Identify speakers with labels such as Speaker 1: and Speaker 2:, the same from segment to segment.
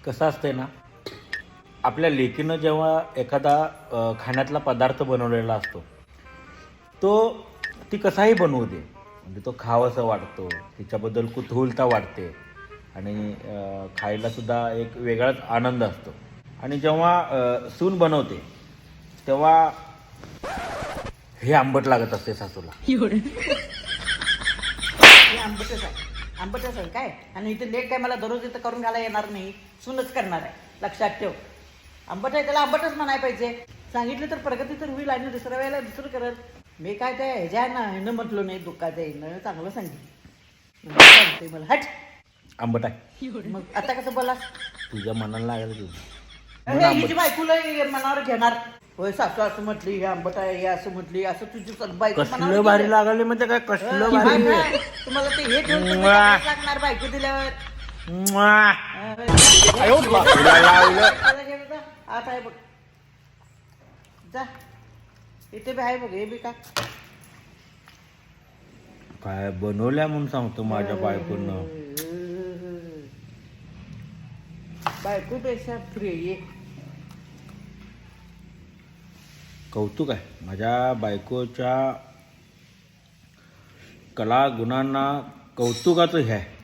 Speaker 1: कसं असतंय ना, आपल्या लेकीनं जेव्हा एखादा खाण्यातला पदार्थ बनवलेला असतो, तो ती कसाही बनवू दे, म्हणजे तो खावासा वाटतो, तिच्याबद्दल कुतूहलता वाटते आणि खायलासुद्धा एक वेगळाच आनंद असतो. आणि जेव्हा सून बनवते तेव्हा हे आंबट लागत असते सासूला.
Speaker 2: हे आंबटच आहे, आंबटच आहे काय. आणि इथे लेट काय मला दररोज इथं करून घाला येणार नाही, सूनच करणार आहे, लक्षात ठेव. आंबट आहे त्याला आंबटच म्हणाय पाहिजे. सांगितलं तर प्रगती तर होईल आणि दुसऱ्या वेळेला दुसरं करत. मी काय ते ह्याच्या ना ह्यानं म्हटलो नाही, दुःखाच्या ह्यानं चांगलं सांगितलं. सांगते मला हट.
Speaker 1: आंबट आहे,
Speaker 2: मग आता कसं बोला,
Speaker 1: तुझ्या मनाला लागेल की
Speaker 2: हिची बायकोला मनावर घेणार. होय सासू असं म्हटली, हे आंबट आहे, हे असं म्हटली, असं तुझी बायको
Speaker 1: कसलं भारी लागले म्हणजे काय, कसलं भारी आहे.
Speaker 2: तुम्हाला ते हे ठेवून लागणार बायको दिल्यावर.
Speaker 1: म्वा.
Speaker 2: तुला
Speaker 1: लावलं.
Speaker 2: आता आहे बघ, जा इथे बी आहे बघ, हे बी का
Speaker 1: काय बनवल्या म्हणून सांगतो माझ्या बायकोनं.
Speaker 2: बायकोपेक्षा फ्री ये.
Speaker 1: कौतुक आहे माझ्या बायकोच्या कला गुणांना, कौतुकाचं हे आहे.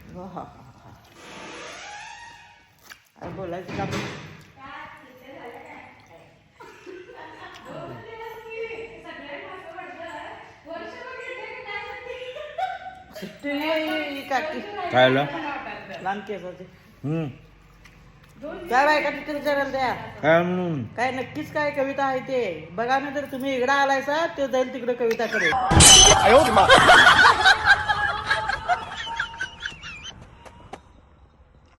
Speaker 2: बोलायचं का काकी
Speaker 1: काय आलं?
Speaker 2: लहान केसाचे
Speaker 1: हम्म.
Speaker 2: काय बायका तिथे विचारायला द्या.
Speaker 1: काय म्हणून?
Speaker 2: काय नक्कीच काय कविता आहे ते बघा ना. तर तुम्ही इकडं आलायसा, ते जाईल तिकडे कविता करेल.